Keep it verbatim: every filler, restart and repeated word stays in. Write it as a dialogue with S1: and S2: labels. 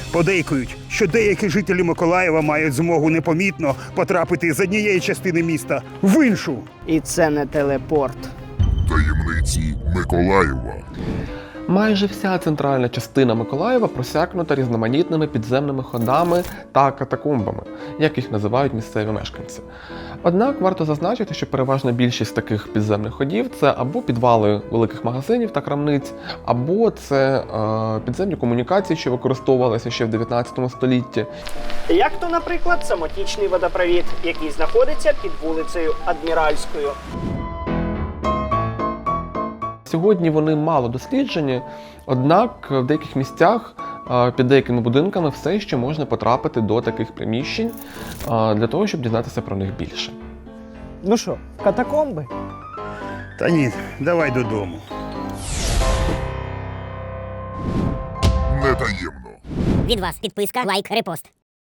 S1: Подейкують, що деякі жителі Миколаєва мають змогу непомітно потрапити з однієї частини міста в іншу.
S2: І це не телепорт.
S3: Таємниці Миколаєва.
S4: Майже вся центральна частина Миколаєва просякнута різноманітними підземними ходами та катакомбами, як їх називають місцеві мешканці. Однак варто зазначити, що переважна більшість таких підземних ходів – це або підвали великих магазинів та крамниць, або це е, підземні комунікації, що використовувалися ще в дев'ятнадцятому столітті.
S2: Як то, наприклад, самотічний водопровід, який знаходиться під вулицею Адміральською.
S4: Сьогодні вони мало досліджені, однак в деяких місцях під деякими будинками все ще можна потрапити до таких приміщень для того, щоб дізнатися про них більше.
S2: Ну що, катакомби?
S1: Та ні, давай додому.
S3: Не таємно.
S5: Від вас підписка, лайк, репост.